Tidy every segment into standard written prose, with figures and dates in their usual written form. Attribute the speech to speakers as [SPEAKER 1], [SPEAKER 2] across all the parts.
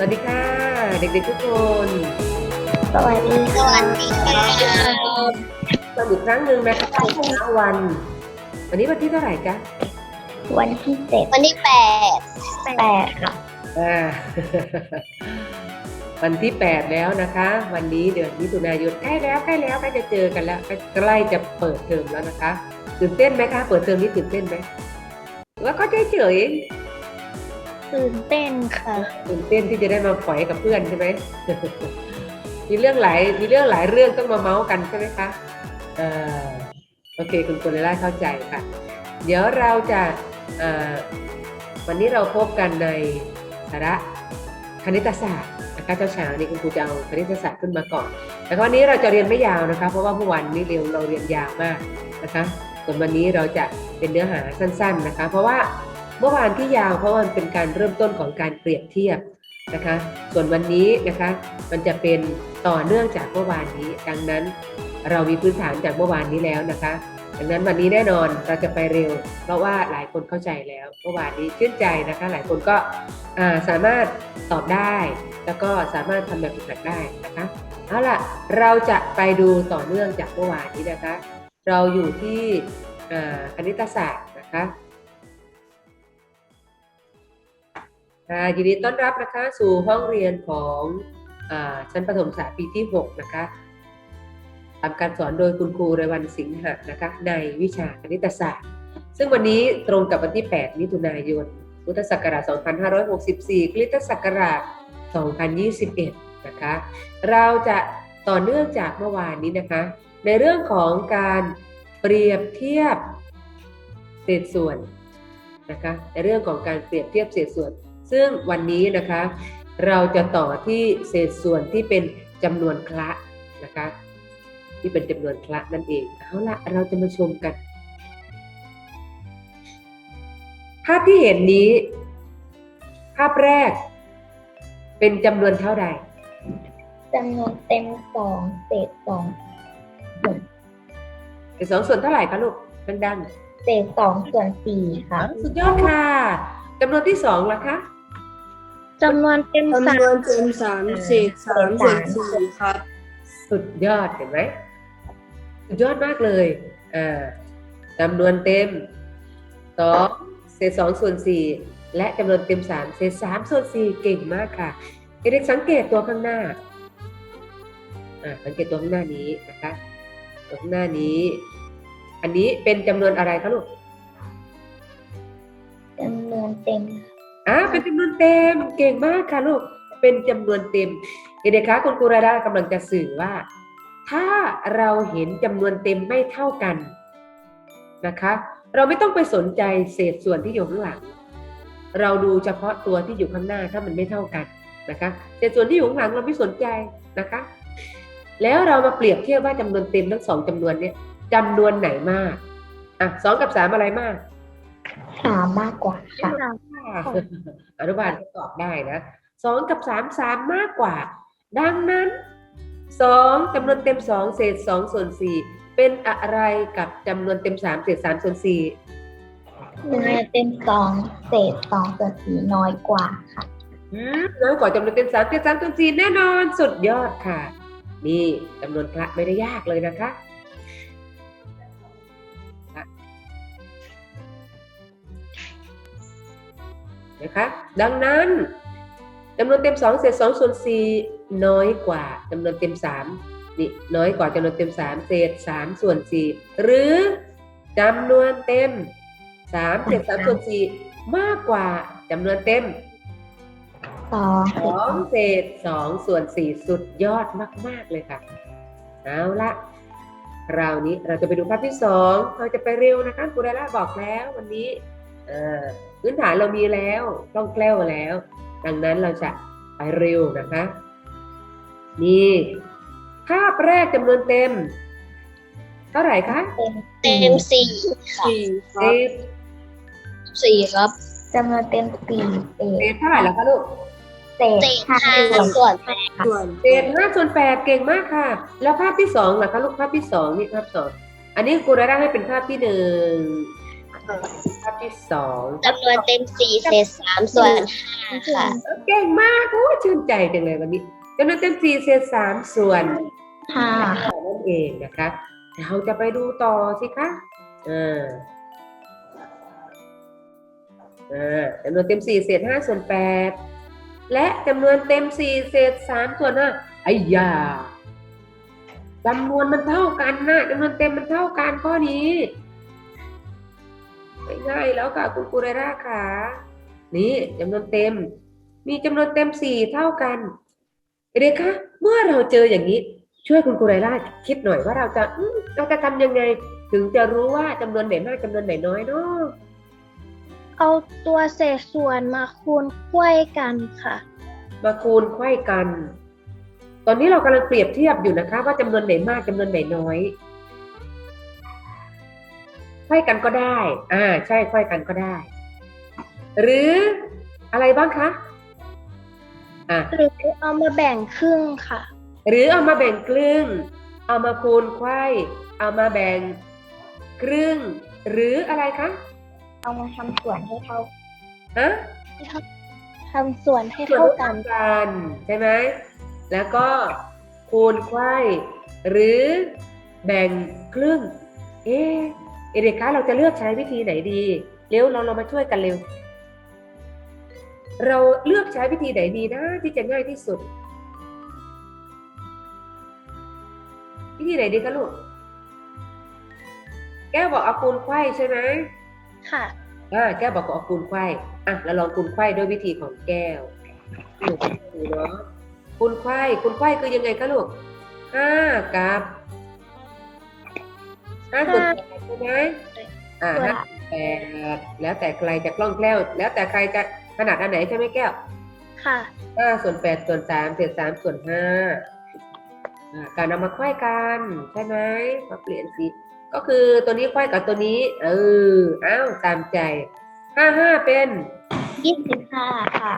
[SPEAKER 1] วัสดีค่ะเด็กๆทุกคน
[SPEAKER 2] สวัสดี
[SPEAKER 3] สวัสดีค่ะ
[SPEAKER 1] มาอีกครั้งหนึ่งนะคะในเช้าวันนี้วันที่เท่าไหร่จ๊ะ
[SPEAKER 2] วันที่
[SPEAKER 3] วันที่8
[SPEAKER 2] 8ค่ะ
[SPEAKER 1] วันที่8แล้วนะคะ วันนี้เดือนมิถุนายนใกล้แล้วใกล้จะเจอกันแล้วใกล้จะเปิดเทอมแล้วนะคะตื่นเต้นไหมคะเปิดเทอมนี้ตื่นเต้นไหมแล้วก็เฉย
[SPEAKER 2] ตื่นเต้นค่ะ
[SPEAKER 1] ตื่นเต้นที่จะได้มาฝอยกับเพื่อนใช่ไหม มีเรื่องหลายเรื่องต้องมาเมาส์กันใช่ไหมคะโอเคคุณกุลล่าเข้าใจค่ะเดี๋ยวเราจะวันนี้เราพบกันในสาระคณิตศาสตร์นะคะเช้านี้คุณครูจะเอาคณิตศาสตร์ขึ้นมาก่อนแต่วันนี้เราจะเรียนไม่ยาวนะคะเพราะว่าเมื่อวานนี้เราเรียนยาวมากนะคะส่วนวันนี้เราจะเป็นเนื้อหาสั้นๆนะคะเพราะว่าเมื่อวานที่ยาวเพราะมันเป็นการเริ่มต้นของการเปรียบเทียบนะคะส่วนวันนี้นะคะมันจะเป็นต่อเนื่องจากเมื่อวานนี้ดังนั้นเรามีพื้นฐานจากเมื่อวานนี้แล้วนะคะดังนั้นวันนี้แน่นอนเราจะไปเร็วเพราะว่าหลายคนเข้าใจแล้วเมื่อวานนี้ชื่นใจนะคะหลายคนก็สามารถตอบได้แล้วก็สามารถทำแบบฝึกหัดได้นะคะเอาล่ะเราจะไปดูต่อเนื่องจากเมื่อวานนี้นะคะเราอยู่ที่คณิตศาสตร์นะคะยินดีต้อนรับนะคะสู่ห้องเรียนของชั้นประถมศึกษาปีที่6นะคะทำการสอนโดยคุณครูเรวัณสิงหะนะคะในวิชาคณิตศาสตร์ซึ่งวันนี้ตรงกับวันที่8มิถุนายนพุทธศักราช2564คริสตศักราช2021นะคะเราจะต่อเนื่องจากเมื่อวานนี้นะคะในเรื่องของการเปรียบเทียบเศษส่วนนะคะในเรื่องของการเปรียบเทียบเศษส่วนซึ่งวันนี้นะคะเราจะต่อที่เศษส่วนที่เป็นจำนวนคละนะคะที่เป็นจำนวนคละนั่นเองเอาละเราจะมาชมกันภาพที่เห็นนี้ภาพแรกเป็นจำนวนเท่าใด
[SPEAKER 2] จำนวนเต็ม2เศษ2
[SPEAKER 1] เศษ2ส่วนเท่าไหร่คะลูกดัง
[SPEAKER 2] เศษ2ส่วน4ค่ะ
[SPEAKER 1] สุดยอดค่ะจำนวนที่2ล่ะคะ
[SPEAKER 2] จำนวนเต็ม3
[SPEAKER 3] เศษ3ส่วน4ครับ
[SPEAKER 1] สุดยอดเห็นไหมสุดยอดมากเลยจำนวนเต็ม2เศษ2ส่วน4และจำนวนเต็ม3เศษ3ส่วน4เก่งมากค่ะเด็กๆสังเกตตัวข้างหน้าสังเกตตัวข้างหน้านี้นะคะตัวข้างหน้านี้อันนี้เป็นจำนวนอะไรคะลูก
[SPEAKER 2] จำนวนเต็ม
[SPEAKER 1] เป็นจำนวนเต็มเก่งมากค่ะลูกเป็นจำนวนเต็มเด็กๆคะคุณครูราดากำลังจะสื่อว่าถ้าเราเห็นจำนวนเต็มไม่เท่ากันนะคะเราไม่ต้องไปสนใจเศษส่วนที่อยู่ข้างหลังเราดูเฉพาะตัวที่อยู่ข้างหน้าถ้ามันไม่เท่ากันนะคะเศษส่วนที่อยู่ข้างหลังเราไม่สนใจนะคะแล้วเรามาเปรียบเทียบว่าจำนวนเต็มทั้ง2จำนวนนี้จำนวนไหนมาก2กับ3อะไรมาก
[SPEAKER 2] 3มากกว่าค่ะ
[SPEAKER 1] อนุบาลก็ตอบได้นะ2กับ3มากกว่าดังนั้น2จำนวนเต็ม2เศษ2ส่วน4เป็นอะไรกับจำนวนเต็ม3เศษ3ส่วน4
[SPEAKER 2] จำนวนเต็ม2เศษ2ส่วน4น้อยกว่าค่ะ
[SPEAKER 1] น้อยกว่าจำนวนเต็ม3เศษ3ส่วน4แน่นอนสุดยอดค่ะนี่จำนวนคละไม่ได้ยากเลยนะคะนะคะดังนั้นจำนวนเต็ม2เศษ2ส่วน4น้อยกว่าจำนวนเต็ม3นี่น้อยกว่าจำนวนเต็ม3เศษ3ส่วน4หรือจำนวนเต็ม3เศษ3ส่วน4มากกว่าจำนวนเต็ม2เศษ2ส่วน4สุดยอดมากๆเลยค่ะเอาละคราวนี้เราจะไปดูภาพที่2เราจะไปเร็วนะคะครูดาราบอกแล้ววันนี้พื้นฐานเรามีแล้วคล่องแคล่วแล้วดังนั้นเราจะไปเร็วนะคะนี่ภาพแรกจำนวนเต็มเท่าไหร่คะ
[SPEAKER 3] เต็ม4ครับ
[SPEAKER 2] จำนวนเต็ม4
[SPEAKER 1] เศษเท่าไหร่แล้วคะลูก
[SPEAKER 2] เศษ5ส่วน8
[SPEAKER 1] เศษ5ส่วน8เก่งมากค่ะแล้วภาพที่2ล่ะคะลูกภาพที่2นี่ภาพ2อันนี้ครูดาราให้เป็นภาพที่1 ภาพที่สอง
[SPEAKER 3] จำนวนเต็ม4เศษ3ส่วน5ค่ะ
[SPEAKER 1] เก่งมากโอ้ชื่นใจจังเลยวันนี้จำนวนเต็ม4เศษ3ส่วน
[SPEAKER 2] ห้า
[SPEAKER 1] นั่นเองนะคะเราจะไปดูต่อสิคะจำนวนเต็ม4เศษ5ส่วน8และจำนวนเต็ม4เศษ3ส่วน5ไอ้ยาจำนวนมันเท่ากันนะจำนวนเต็มมันเท่ากันข้อนี้ง่ายแล้วค่ะคุณครูไรราค่ะนี่จำนวนเต็มมีจำนวนเต็ม4เท่ากันเด็กคะเมื่อเราเจออย่างนี้ช่วยคุณครูไรราคิดหน่อยว่าเราจะทำยังไงถึงจะรู้ว่าจำนวนไหนมากจำนวนไหนน้อยเนาะ
[SPEAKER 4] เอาตัวเศษส่วนมาคูณไขว้กันค่ะ
[SPEAKER 1] มาคูณไขว้กัน ตอนนี้เรากำลังเปรียบเทียบอยู่นะคะว่าจำนวนไหนมากจำนวนไหนน้อยไขว้กันก็ได้ใช่ไขว้กันก็ได้ หรืออะไรบ้างคะ
[SPEAKER 4] หรือเอามาแบ่งครึ่งค่ะ
[SPEAKER 1] หรือเอามาแบ่งครึ่งเอามาคูณไขว้เอามาแบ่งครึ่งหรืออะไรคะ
[SPEAKER 2] เอามาทำส่วนให้เท่า
[SPEAKER 4] ทำส่วนให้เท่ากัน
[SPEAKER 1] ใช่ไหมแล้วก็คูณไขว้หรือแบ่งครึ่งเด็กคะเราจะเลือกใช้วิธีไหนดีเร็วเรามาช่วยกันเร็วเราเลือกใช้วิธีไหนดีนะที่จะง่ายที่สุดวิธีไหนดีคะลูกแก้วบอกเอาคูณไขว้ใช่ไหม
[SPEAKER 4] ค่ะ
[SPEAKER 1] แก้วบอกเอาคูณไขว้เราลองคูณไขว้ด้วยวิธีของแก้วดูเนาะคูณไขว้คือยังไงคะลูก5กับ5ส่วน8ใช่ไหม5 8แล้วแต่ใครจะคล่องแคล่วแล้วแต่ใครจะถนัดอันไหนใช่ไหมแก้ว
[SPEAKER 4] ค่ะ
[SPEAKER 1] 5ส่วน8ส่วน3เศษ3ส่วน5การนำมาไขว้กันใช่ไหมมาเปลี่ยนสีก็คือตัวนี้ไขว้กับตัวนี้ตามใจ55เป็น
[SPEAKER 2] 25ค่ะ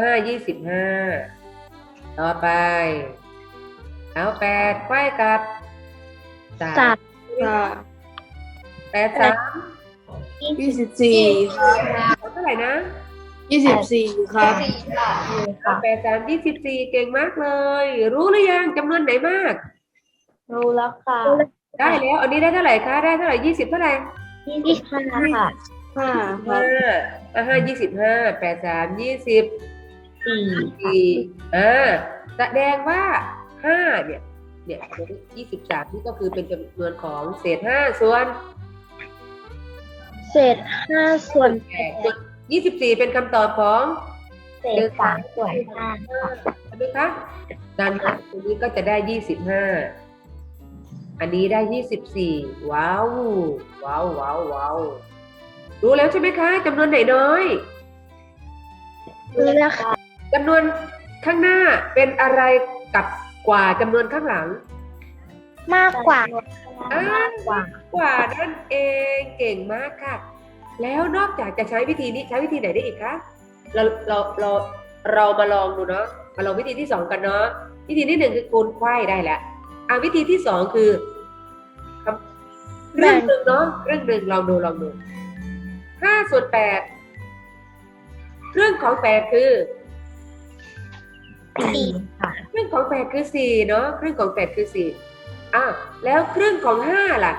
[SPEAKER 1] 25ต่อไปเอา8ไขว้กับ8 3
[SPEAKER 3] 24ครับ
[SPEAKER 1] เท่าไหร่นะ
[SPEAKER 3] 24ครับ
[SPEAKER 1] 8 3 24เก่งมากเลยรู้หรือยังจำนวนไหนมาก
[SPEAKER 2] รู้แล้วค่ะ
[SPEAKER 1] ได้แล้วอันนี้ได้เท่าไหร่คะได้เท่าไหร่20เท่าไหร่
[SPEAKER 2] 25ค่ะ
[SPEAKER 1] 25 8 3 24แสดงว่า5เนี่ย23นี่ก็คือเป็นจำนวนของเศษ5ส่วน
[SPEAKER 4] เศษ5ส่วน
[SPEAKER 1] 8 24เป็นคำตอบของ
[SPEAKER 2] เศษ3ส่วน5ค่ะ
[SPEAKER 1] ใช่ไหมคะดังนั้นตรงนี้ก็จะได้25อันนี้ได้24ว้าวรู้แล้วใช่ไหมคะจำนวนไหนน้อย
[SPEAKER 4] รู้แล้วค่ะ
[SPEAKER 1] จำนวนข้างหน้าเป็นอะไรกับกว่าจำนวนข้างหลัง
[SPEAKER 4] มากกว่า
[SPEAKER 1] นั่นเองเก่งมากค่ะแล้วนอกจากจะใช้วิธีนี้ใช้วิธีไหนได้อีกคะเรามาลองดูเนาะมาลองวิธีที่2กันเนาะวิธีที่1คือคูณไขว้ได้แล้ววิธีที่2คือเรื่องหนึ่งเนาะเรื่องหนึ่งลองดู5ส่วน8เรื่องของ8คือ
[SPEAKER 2] 4ค่ะ
[SPEAKER 1] ครึ่งของ8คือ4เนาะครึ่งของ8คือ4แล้วครึ่งของ5ล่ะ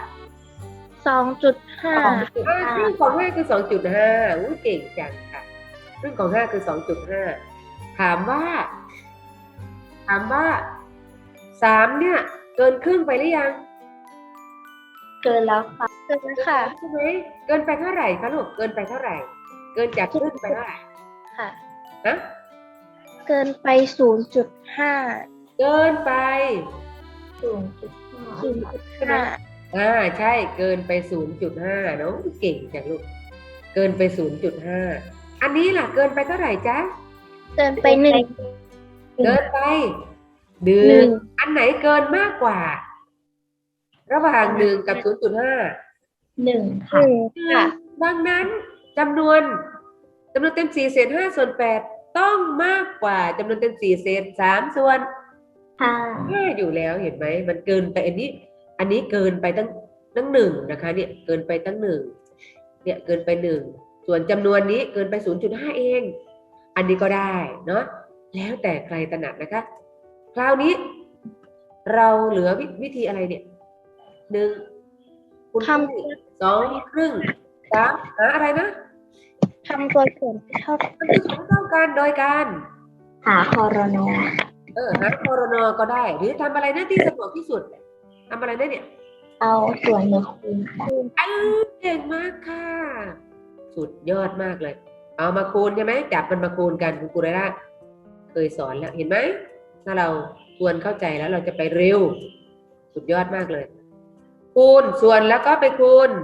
[SPEAKER 4] 2.5
[SPEAKER 1] ครึ่งของ5คือ 2.5 อุ๊ยเก่งจังค่ะครึ่งของ5คือ 2.5 ถามว่า3เนี่ยเกินครึ่งไปหรือยัง
[SPEAKER 2] เกินแล้วค่ะ
[SPEAKER 4] เกินแล้วค่ะ
[SPEAKER 1] ใช่ไหมเกินไปเท่าไหร่คะลูกเกินไปเท่าไหร่เกินจากครึ่งไปเท่าไหร่
[SPEAKER 4] ค่ะ
[SPEAKER 1] เกินไป
[SPEAKER 4] 0.5
[SPEAKER 1] เกินไป
[SPEAKER 4] 0.5
[SPEAKER 1] ใช่เกินไป 0.5 เนาะเก่งจังลูกเกินไป 0.5 อันนี้ล่ะเกินไปเท่าไหร่จ๊ะ
[SPEAKER 4] เกินไป1
[SPEAKER 1] เกินไป1อันไหนเกินมากกว่าระหว่าง1กับ 0.5
[SPEAKER 2] 1ค่ะ
[SPEAKER 1] ดังนั้นจำนวนเต็ม4เศษ5ส่วน8ต้องมากกว่าจำนวนเต็ม4เศษ3ส่วน5อยู่แล้วเห็นไหมมันเกินไปอันนี้เกินไปตั้ง1นะคะเนี่ยเกินไปตั้ง1 เนี่ยเกินไป1ส่วนจำนวนนี้เกินไป 0.5 เอง อันนี้ก็ได้เนาะแล้วแต่ใครถนัดนะคะคราวนี้เราเหลือวิธีอะไรเนี่ย1คูณครึ่ง2ครึ่ง3หาอะไรนะ
[SPEAKER 4] ทำตัวส่วนเท่า
[SPEAKER 1] มันคือของเท่ากันโดยการ
[SPEAKER 2] หาคอรนอ
[SPEAKER 1] หาคอรนก็ได้ หรือทำอะไรนะที่สะดวกที่สุดทำอะไรนะเนี่ย
[SPEAKER 2] เอาส่วนมาคูณค่ะ
[SPEAKER 1] เก่งมากค่ะ สุดยอดมากเลย เอามาคูณใช่ไหมจับมันมาคูณกันคุณครูไรล่ะเคยสอนแล้วเห็นไหมถ้าเราทวนเข้าใจแล้วเราจะไปเร็ว สุดยอดมากเลย คูณส่วนแล้วก็ไปคูณ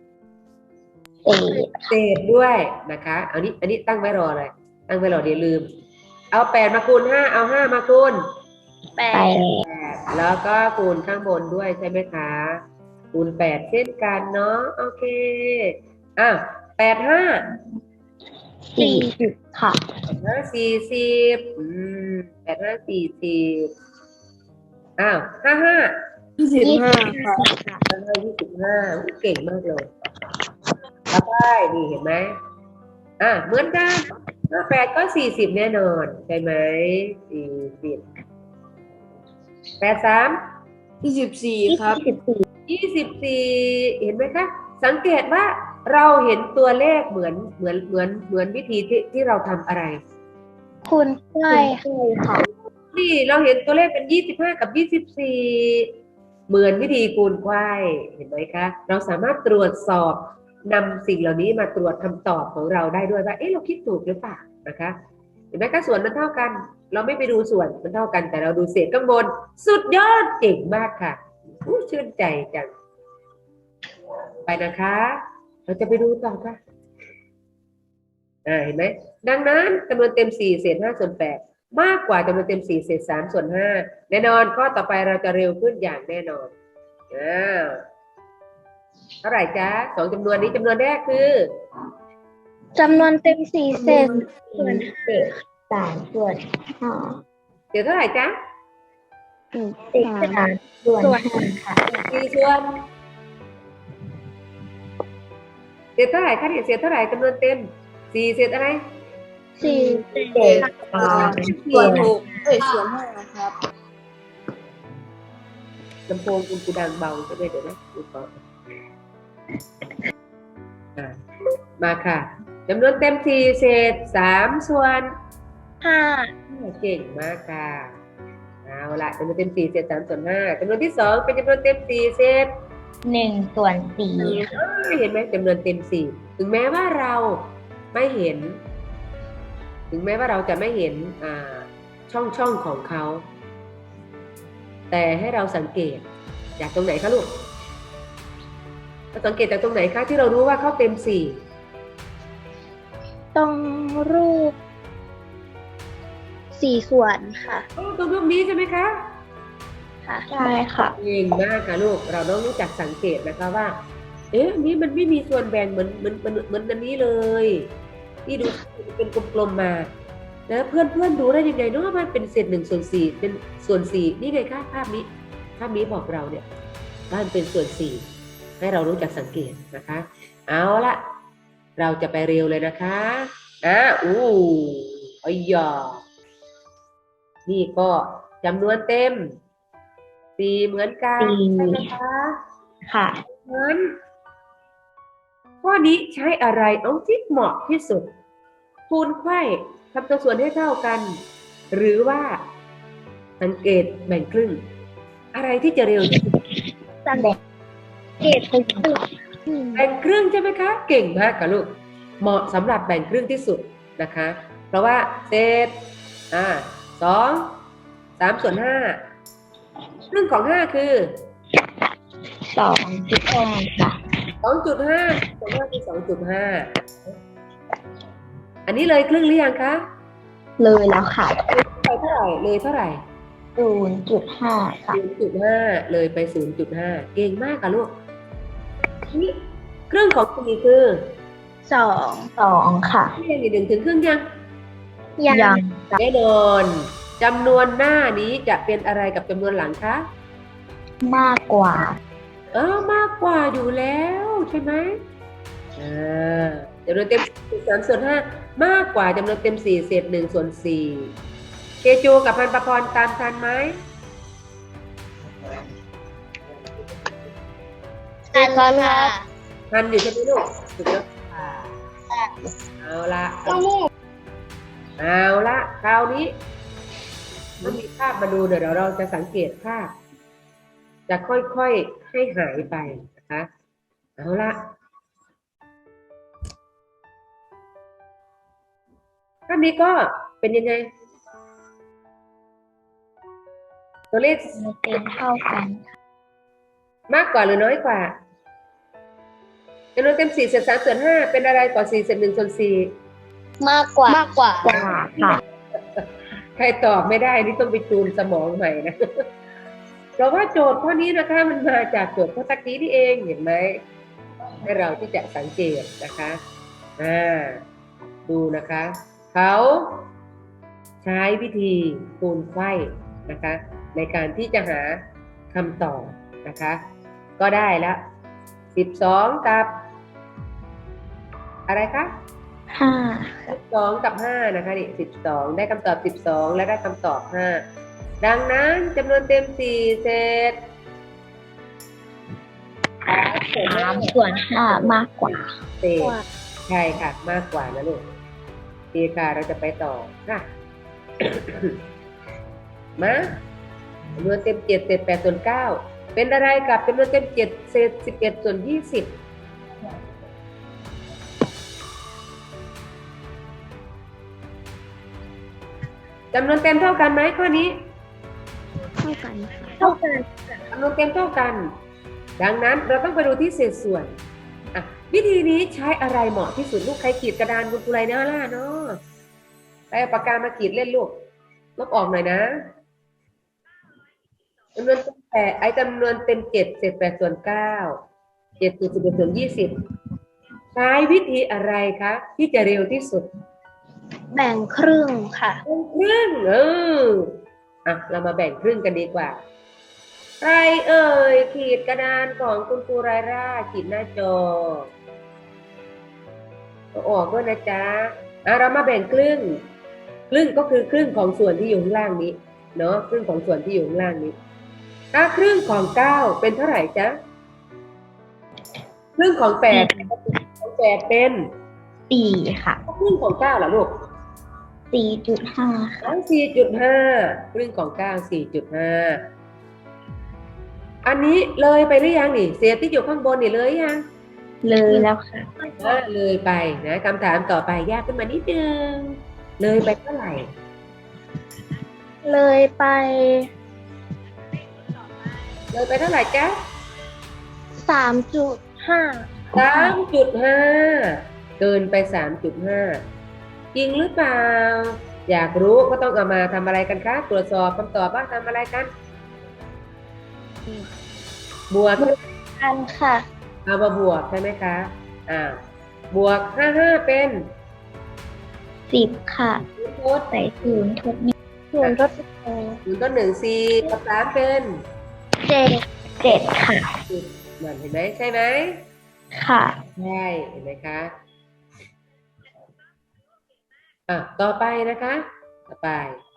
[SPEAKER 2] เศษ
[SPEAKER 1] เศษด้วยนะคะอันนี้ตั้งไว้รอเลยตั้งไว้รอเดี๋ยวลืม เอา8มาคูณ5เอา5มาคูณ
[SPEAKER 4] แป
[SPEAKER 2] ไป
[SPEAKER 4] ด
[SPEAKER 1] แล้วก็คูณข้างบนด้วยใช่ไหมคะคูณ8เช่นกันเนาะโอเค8 5
[SPEAKER 2] 40ค่ะ
[SPEAKER 1] 408 5 4055
[SPEAKER 2] 25ค่ะ
[SPEAKER 1] 25เก่งมากเลยแล้วก็นี่เห็นไหมเหมือนกัน8ก็40แน่นอนใช่ไหม40 83
[SPEAKER 2] 24ครับ
[SPEAKER 1] 24เห็นไหมคะสังเกตว่าเราเห็นตัวเลขเหมือนวิธีที่เราทำอะไร
[SPEAKER 4] คูณกล้วย
[SPEAKER 2] ค่ะ
[SPEAKER 1] นี่เราเห็นตัวเลขเป็น25กับ24เหมือนวิธีคูณไขว้เห็นไหมคะเราสามารถตรวจสอบนำสิ่งเหล่านี้มาตรวจคำตอบของเราได้ด้วยว่าเราคิดถูกหรือเปล่านะคะเห็นไหมคะส่วนมันเท่ากันเราไม่ไปดูส่วนมันเท่ากันแต่เราดูเศษข้างบนสุดยอดเก่งมากค่ะชื่นใจจังไปนะคะ เราจะไปดูต่อค่ะเห็นไหมดังนั้นจำนวนเต็ม4เศษ5ส่วน8มากกว่าจำนวนเต็ม4เศษ3ส่วน5แน่นอนข้อต่อไปเราจะเร็วขึ้นอย่างแน่นอนเท่าไหร่จ๊ะ2จำนวนนี้จำนวนแรกคือ
[SPEAKER 4] จำนวนเต็ม4เศษส่วน
[SPEAKER 2] เศษ3ส่วน5
[SPEAKER 1] เดี๋ยวเท่าไหร่จ๊ะ
[SPEAKER 2] เศษ3ส่วน5ค่ะ
[SPEAKER 1] 4ส่วนเศษเท่าไหร่คะเนี่ยเศษเท่าไหร่จำนวนเต็ม4เศษอะไร
[SPEAKER 4] 4
[SPEAKER 2] เศษ3ส่วน6
[SPEAKER 3] ส่วน5ครับ
[SPEAKER 1] ลำโพงคุณกูดังเบาใช่ไหมเดี๋ยวนะดูก่อนมาค่ะจำนวนเต็ม4เศษ3ส่วน
[SPEAKER 4] 5
[SPEAKER 1] เก่งมากค่ะเอาละจำนวนเต็ม4เศษ3ส่วน5จำนวนที่2เป็นจำนวนเต็ม4เศษ
[SPEAKER 2] 1ส่วน4ค่ะ
[SPEAKER 1] เห็นไหมจำนวนเต็ม4ถึงแม้ว่าเราไม่เห็น ถึงแม้ว่าเราจะไม่เห็นช่องของเขาแต่ให้เราสังเกตจากตรงไหนคะลูกเราสังเกตจากตรงไหนคะที่เรารู้ว่าเขาเต็ม4
[SPEAKER 4] ตรงรูป4ส่วนค่ะ
[SPEAKER 1] ตรงรูปนี้ใช่ไหมคะ
[SPEAKER 4] ค่ะ
[SPEAKER 2] ใช่ค่ะ
[SPEAKER 1] เก่งมากค่ะลูกเราต้องรู้จักสังเกตนะคะว่าอันนี้มันไม่มีส่วนแบ่งเหมือนอันนี้เลยที่ดูเป็นกลมๆมาแล้วเพื่อนดูได้ยังไงเนาะว่ามันเป็นเศษ1ส่วน4เป็นส่วน4นี่ไงคะภาพนี้บอกเราเนี่ยว่ามันเป็นส่วน4ให้เรารู้จักสังเกตนะคะเอาละเราจะไปเร็วเลยนะคะอ้ยนี่ก็จำนวนเต็ม4เหมือนกันใช่ไหมคะ
[SPEAKER 2] ค่ะ
[SPEAKER 1] งั้นข้อนี้ใช้อะไรเอาที่เหมาะที่สุดคูณไขว้ทำตัวส่วนให้เท่ากัน หรือว่าสังเกตแบ่งครึ่งอะไรที่จะเร็วที่สุด
[SPEAKER 4] สังเกตเป็นครึ่ง
[SPEAKER 1] แบ่งครึ่งใช่ไหมคะเก่งมากค่ะลูกเหมาะสำหรับแบ่งครึ่งที่สุดนะคะเพราะว่าเศษ2 3ส่วน5ครึ่งของ5คือ
[SPEAKER 2] 2.5 ค่ะ
[SPEAKER 1] 2.5 ส่วน5คือ 2.5 อันนี้เลยครึ่งหรือยังคะ
[SPEAKER 2] เลยแล้วค่ะ
[SPEAKER 1] ไปเท่าไหร่เลยเท่าไหร่
[SPEAKER 2] 0.5 ค่ะ
[SPEAKER 1] 0.5 เลยไป 0.5 เก่งมากค่ะลูกนี่ครึ่งของ4คือ
[SPEAKER 2] 2 ค่ะ
[SPEAKER 1] ที่ยัง1ถึงครึ่งยัง
[SPEAKER 4] ยัง
[SPEAKER 2] ยัง
[SPEAKER 1] แน่นอนจำนวนหน้านี้จะเป็นอะไรกับจำนวนหลังคะ
[SPEAKER 2] มากกว่า
[SPEAKER 1] มากกว่าอยู่แล้วใช่ไหมจำนวนเต็ม3 ส่วน 5มากกว่าจำนวนเต็ม4 เศษ1 ส่วน 4เคจูกับพันประพรตามทันไหม
[SPEAKER 3] ทันค่ะ
[SPEAKER 1] ทันอยู่ใช่ไหมลูกถูกแล้วค่ะเอาละคราวนี้มันมีภาพมาดูเดี๋ยวเราจะสังเกตภาพจะค่อยๆให้หายไปนะคะเอาละภาพนี้ก็เป็นยังไงตัวเลข
[SPEAKER 2] เต็มเท่ากัน
[SPEAKER 1] มากกว่าหรือน้อยกว่าจำนวนเต็ม4 เศษ3 ส่วน 5เป็นอะไรกว่า4 เศษ1 ส่วน 4
[SPEAKER 3] มากกว่า
[SPEAKER 2] กว่าค่ะ
[SPEAKER 1] ใครตอบไม่ได้นี่ต้องไปจูนสมองใหม่นะ เพราะว่าโจทย์ข้อนี้นะคะมันมาจากโจทย์ข้อตะกี้นี่เองเห็นไหมให้เราที่จะสังเกตนะคะดูนะคะเขาใช้วิธีคูณไขว้นะคะในการที่จะหาคำตอบนะคะก็ได้แล้ว12กับอะไรคะ
[SPEAKER 2] 5
[SPEAKER 1] 12กับ5นะคะนี่12ได้คำตอบ12และได้คำตอบ5ดังนั้นจำนวนเต็ม4 เศษ
[SPEAKER 2] 3 ส่วน 5 มากกว่า
[SPEAKER 1] เศษใช่ค่ะมากกว่านะลูกดีค่ะเราจะไปต่อค่ะ มาจำนวนเต็ม7 เศษ8 ส่วน 9เป็นอะไรกับจำนวนเต็ม7 เศษ11 ส่วน 20จำนวนเต็มเท่ากันไหมข้อนี้
[SPEAKER 2] เท่ากันค่ะ
[SPEAKER 4] เท่ากัน
[SPEAKER 1] จำนวนเต็มเท่ากัน ดังนั้นเราต้องไปดูที่เศษส่วนวิธีนี้ใช้อะไรเหมาะที่สุดลูกใครขีดกระดานคุณครูไรเนาะล่ะเนาะไปเอาปากกามาขีดเล่นลูกลบออกหน่อยนะจำนวนเต็มจำนวนเต็ม7 เศษ8 ส่วน 9 7 ส่วน 11 ส่วน 20ใช้วิธีอะไรคะที่จะเร็วที่สุด
[SPEAKER 4] แบ่งครึ่งค่ะ
[SPEAKER 1] แบ่งครึ่งเรามาแบ่งครึ่งกันดีกว่าใครเอ่ยขีดกระดานของคุณครูไรร่าขีดหน้าจอออกด้วยนะจ๊ะเรามาแบ่งครึ่งก็คือครึ่งของส่วนที่อยู่ข้างล่างนี้เนาะครึ่งของส่วนที่อยู่ข้างล่างนี้ถ้าครึ่งของ9เป็นเท่าไหร่จ๊ะครึ่งของ8เป็น
[SPEAKER 2] 4 ค่ะ
[SPEAKER 1] ครึ่งของ9เหรอลูก
[SPEAKER 2] 4.5 ค่ะ
[SPEAKER 1] 4.5 ครึ่งของ9 4.5 อันนี้เลยไปหรือยังนี่เศษที่อยู่ข้างบนนี่เลยยัง
[SPEAKER 2] เลยแล้วค่ะ
[SPEAKER 1] เลยไปนะคำถามต่อไปยากขึ้นมานิดนึงเลยไปเท่าไหร่
[SPEAKER 4] เลยไป
[SPEAKER 1] เลยไปเท่าไหร่จ๊ะ
[SPEAKER 4] 3.5
[SPEAKER 1] 3.5 เกินไป 3.5 จริงหรือเปล่าอยากรู้ก็ต้องเอามาทำอะไรกันคะตรวจสอบคำตอบว่าทำอะไรกันบวก
[SPEAKER 4] กันค่ะ
[SPEAKER 1] เอามาบวกใช่ไหมคะบวก55เป็น
[SPEAKER 2] 10 ค่ะ
[SPEAKER 1] ทด
[SPEAKER 2] ใส่0 ทด
[SPEAKER 4] ส่วนลด
[SPEAKER 1] 0 ต้น1 4กับ3เป็น
[SPEAKER 2] 7 ค่ะ
[SPEAKER 1] 10นั่นเห็นไหมใช่ไหม
[SPEAKER 2] ค่ะ
[SPEAKER 1] ใช่เห็นไหมคะต่อไปนะคะต่อไป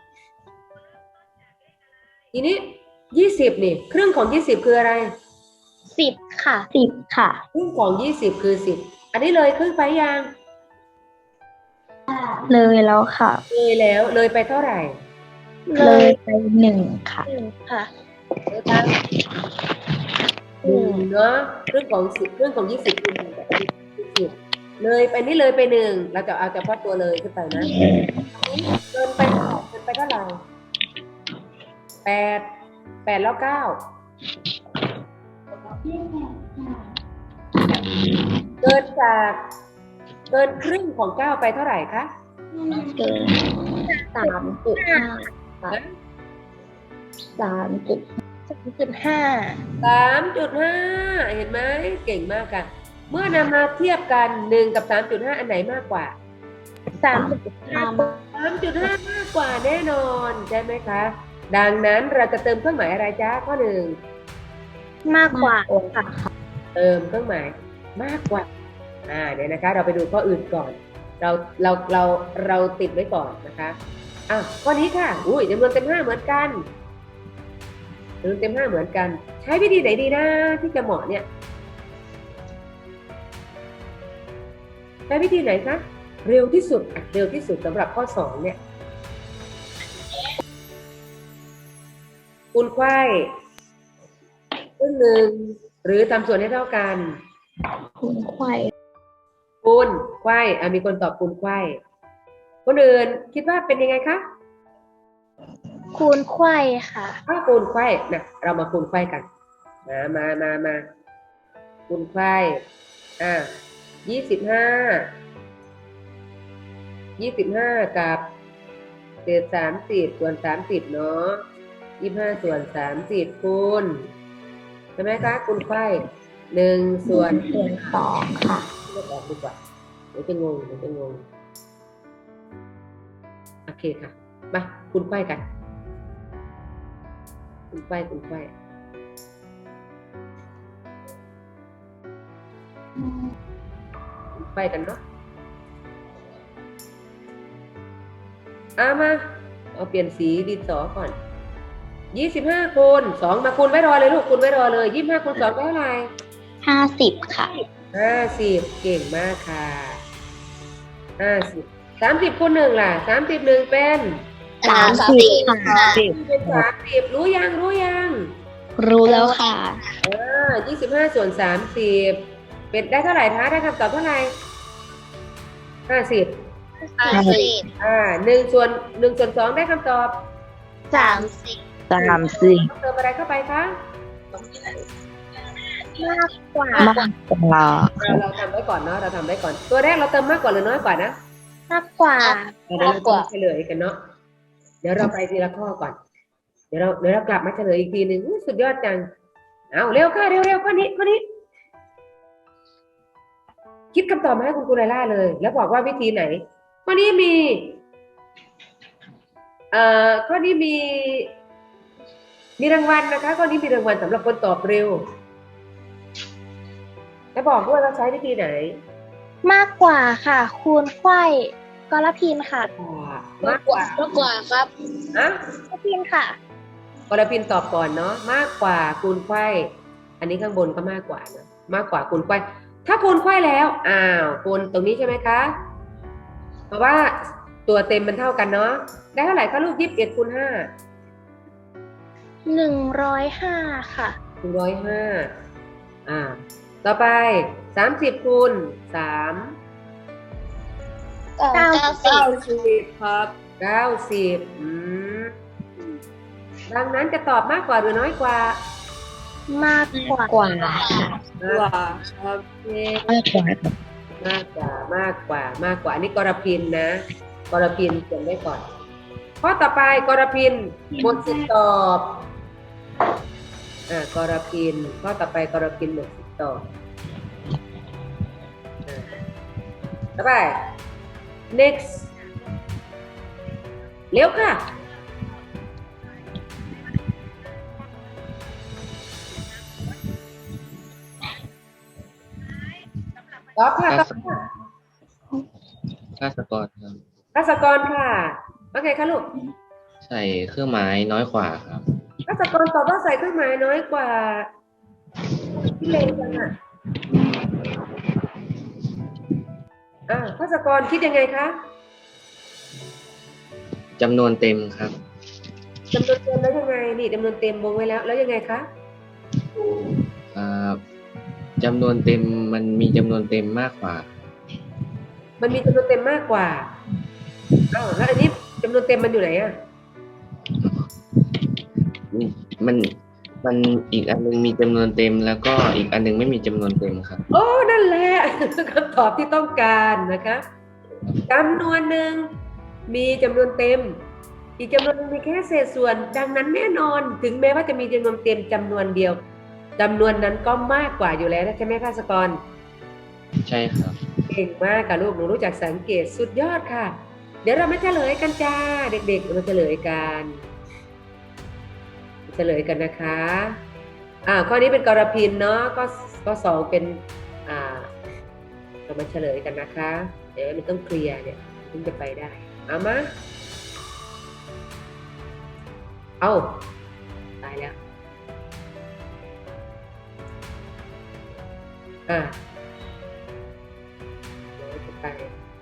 [SPEAKER 1] ทีนี้20นี่ครึ่งของ20คืออะไร
[SPEAKER 4] 10 ค่ะ
[SPEAKER 2] 10 ค่ะ
[SPEAKER 1] ครึ่งของ20คือ10อันนี้เลยครึ่งไปยัง
[SPEAKER 2] เลยแล้วค่ะ
[SPEAKER 1] เลยแล้วเลยไปเท่าไหร่
[SPEAKER 2] เลยไป 1 ค่ะ
[SPEAKER 4] 1 ค่ะ
[SPEAKER 1] เลยไป1เนาะครึ่งของ10ครึ่งของ20คือ10เลยไปนี่เลยไป1เราจะเอาเฉพาะตัวเลยขึ้นไปนะเกินไปเท่าไหร่8แล้ว9เกินครึ่งของ9ไปเท่าไหร่คะ
[SPEAKER 2] เกิน 3.5 ค่ะ
[SPEAKER 4] 3.5
[SPEAKER 1] 3.5 เห็นไหมเก่งมากค่ะเมื่อนำมาเทียบกัน1กับ 3.5 อันไหนมากกว่า
[SPEAKER 4] 3.5
[SPEAKER 1] 3.5 มากกว่าแน่นอนใช่ไหมคะดังนั้นเราจะเติมเครื่องหมายอะไรจ้าข้อ1
[SPEAKER 4] มากกว่าค่ะ
[SPEAKER 1] เติมเครื่องหมายมากกว่าเดี๋ยวนะคะ เราไปดูข้ออื่นก่อน เราติดไว้ก่อนนะคะข้อนี้ค่ะจำนวนเต็ม5เหมือนกันจำนวนเต็ม5เหมือนกัน ใช้วิธีไหนดีนะที่จะเหมาะเนี่ยใช้วิธีไหนคะเร็วที่สุดสำหรับข้อ2เนี่ยคูณไขว้ครึ่งหนึ่งหรือทำส่วนให้เท่ากัน
[SPEAKER 2] คูณไขว้
[SPEAKER 1] คูณไขว้มีคนตอบคูณไขว้คนอื่นคิดว่าเป็นยังไงคะ
[SPEAKER 4] คูณไขว้ค่ะ
[SPEAKER 1] ถ้าคูณไขว้นะเรามาคูณไขว้กันมาคูณไขว้25กับเศษ30ส่วน30เนาะ25ส่วน30คูณใช่ไหมคะคูณไขว้1ส่วน
[SPEAKER 2] 2ค่ะ
[SPEAKER 1] เลือกออกดีกว่าเดี๋ยวจะงงโอเคค่ะมาคูณไขว้กันคูณไขว้คูณไขว้กันเนาะมาเอาเปลี่ยนสีดินสอก่อน25คูณ2มาคูณไว้รอเลยลูกคูณไว้รอเลย25คูณ2ได้เท่าไหร่
[SPEAKER 2] 50ค่ะ
[SPEAKER 1] 50เก่งมากค่ะ50 30คูณ1ล่ะ30 1เป็น
[SPEAKER 2] 30ค่ะ
[SPEAKER 1] เป็น30รู้ยัง
[SPEAKER 2] รู้แล้วค่ะ
[SPEAKER 1] 25ส่วน30เป็นได้เท่าไหร่คะได้คำตอบเท่าไหร่50 1ส่วน2ได้คำตอบ
[SPEAKER 4] 30
[SPEAKER 1] ต้องเติมอะไรเข้าไปคะ
[SPEAKER 4] มากกว่า
[SPEAKER 1] เราทำไว้ก่อนเนาะเราทำไว้ก่อนตัวแรกเราเติมมากกว่าหรือน้อยกว่านะ
[SPEAKER 4] มากกว่า
[SPEAKER 1] เดี๋ยวเราจะเฉลยกันเนาะเดี๋ยวเราไปทีละข้อก่อนเดี๋ยวเรากลับมาเฉลยอีกทีหนึ่งสุดยอดจังเอาเร็วค่ะเร็วข้อนี้คิดคำตอบมาให้คุณครูไลล่าเลย แล้วบอกว่าวิธีไหนข้อนี้มีข้อนี้มีรางวัลนะคะข้อนี้มีรางวัลสำหรับคนตอบเร็วแล้วบอกด้วยว่าใช้วิธีไหน
[SPEAKER 4] มากกว่าค่ะ คูณไขว้กรพินค่ะ
[SPEAKER 1] มากกว่า
[SPEAKER 3] ครับ
[SPEAKER 4] กรพินค่ะ
[SPEAKER 1] กรพินตอบก่อนเนาะมากกว่าคูณไขว้อันนี้ข้างบนก็มากกว่านะมากกว่าคูณไขว้ถ้าคูณไขว้แล้วคูณตรงนี้ใช่ไหมคะเพราะว่าตัวเต็มมันเท่ากันเนาะได้เท่าไหร่คะลูก21คูณ5
[SPEAKER 4] 105ค่ะ
[SPEAKER 1] 105ต่อไป30คูณ3 90ครับ90ดังนั้นจะตอบมากกว่าหรือน้อยกว่า
[SPEAKER 4] มากกว่า
[SPEAKER 2] กว่า
[SPEAKER 1] มากกว่าโอเคมากกว่าอันนี้กรพินนะกรพินเขียนไว้ก่อนข้อต่อไปกรพินหมดสิทธิ์ตอบกรพินข้อต่อไปกรพินหมดสิทธิ์ตอบต่อไป next เร็วค่ะตอบค่ะ
[SPEAKER 5] ภาสกรครับ
[SPEAKER 1] ภัสกรค่ะว่าไงคะลูก
[SPEAKER 5] ใส่เครื่องหมายน้อยกว่าครับ
[SPEAKER 1] ภัสกรตอบว่าใส่เครื่องหมายน้อยกว่าพี่เลนจังภัสกรคิดยังไงคะ
[SPEAKER 5] จำนวนเต็มครับ
[SPEAKER 1] จำนวนเต็มแล้วยังไงนี่จำนวนเต็มวงไว้แล้วยังไงคะ
[SPEAKER 5] จำนวนเต็มมันมีจำนวนเต็มมากกว่า
[SPEAKER 1] มันมีจำนวนเต็มมากกว่าแล้วอันนี้จำนวนเต็มมันอยู่ไหน
[SPEAKER 5] มันอีกอันนึงมีจำนวนเต็มแล้วก็อีกอันนึงไม่มีจำนวนเต็มครับ
[SPEAKER 1] โอ้นั่นแหละ คำตอบที่ต้องการนะคะจำนวนหนึ่งมีจำนวนเต็มอีกจำนวนนึงมีแค่เศษส่วนดังนั้นแน่นอนถึงแม้ว่าจะมีจำนวนเต็มจำนวนเดียวจำนวนนั้นก็มากกว่าอยู่แล้วใช่ไหมภัสกร
[SPEAKER 5] ใช่ครับ
[SPEAKER 1] เก่งมากค่ะลูกหนูรู้จักสังเกตสุดยอดค่ะเดี๋ยวเรามาเฉลยกันจ้าเด็กๆมาเฉลยกันนะคะข้อนี้เป็นกรพินเนาะก็2เป็นเรามาเฉลยกันนะคะ เดี๋ยวมันต้องเคลียร์เนี่ยถึงจะไปได้เอามาเอาตายแล้วเดี๋ยวจะไป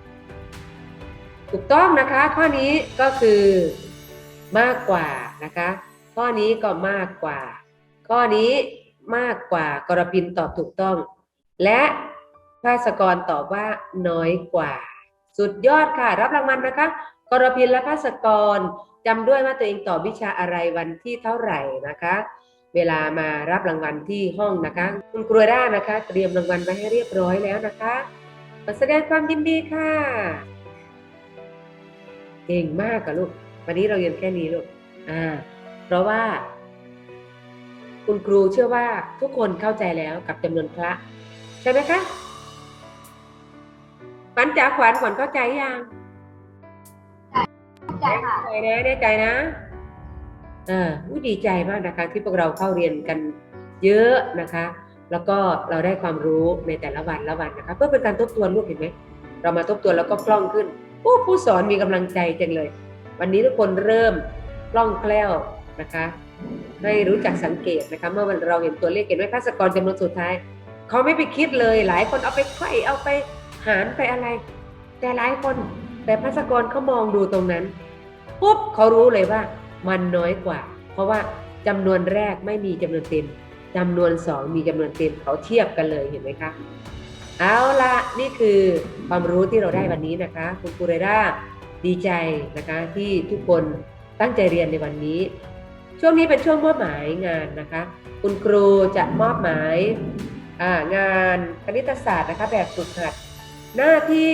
[SPEAKER 1] ถูกต้องนะคะ ข้อนี้ก็คือมากกว่านะคะ ข้อนี้ก็มากกว่า ข้อนี้มากกว่ากรพินตอบถูกต้อง และภาสกรตอบว่าน้อยกว่า สุดยอดค่ะรับรางวัลนะคะกรพินและภาสกรจำด้วยว่าตัวเองตอบวิชาอะไรวันที่เท่าไหร่นะคะ เวลามารับรางวัลที่ห้องนะคะคุณครูด้านะคะ เตรียมรางวัลไว้ให้เรียบร้อยแล้วนะคะขอแสดงความยินดีค่ะเก่งมากค่ะลูกวันนี้เราเรียนแค่นี้ลูกเพราะว่าคุณครูเชื่อว่าทุกคนเข้าใจแล้วกับจำนวนพระใช่ไหมคะขวัญจ๋าขวัญเข้าใจยังแน่ใจนะแน่ใจนะดีใจมากนะคะที่พวกเราเข้าเรียนกันเยอะนะคะ แล้วก็เราได้ความรู้ในแต่ละวันนะคะเพื่อเป็นการทบทวนลูกเห็นไหมเรามาทบทวนแล้วก็คล่องขึ้นผู้สอนมีกำลังใจจังเลยวันนี้ทุกคนเริ่มคล่องแคล่วนะคะให้รู้จักสังเกตนะคะเมื่อเราเห็นตัวเลขเห็นไหมภาสกรจำนวนสุดท้ายเขาไม่ไปคิดเลยหลายคนเอาไปไขว้เอาไปหารไปอะไรแต่หลายคนแต่ภาสกรเขามองดูตรงนั้นปุ๊บเขารู้เลยว่ามันน้อยกว่าเพราะว่าจำนวนแรกไม่มีจำนวนเต็มจำนวน2มีจำนวนเต็มเขาเทียบกันเลยเห็นไหมคะเอาละนี่คือความรู้ที่เราได้วันนี้นะคะคุณครูเรด้าดีใจนะคะที่ทุกคนตั้งใจเรียนในวันนี้ช่วงนี้เป็นช่วงมอบหมายงานนะคะคุณครูจะมอบหมายงานคณิตศาสตร์นะคะแบบฝึกหัดหน้าที่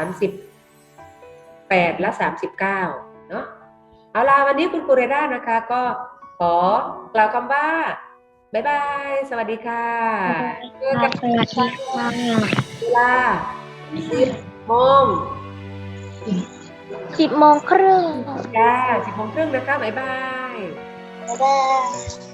[SPEAKER 1] 38และ39เนาะเอาล่ะวันนี้คุณครูเรด้านะคะก็ขอกล่าวคำว่าบ๊ายบายสวัสดีค่ะเจอกันเวลา10 โมง
[SPEAKER 4] 10 โมงครึ่ง
[SPEAKER 1] จ้า10 โมงครึ่งนะคะบ๊ายบาย
[SPEAKER 3] บ๊ายบาย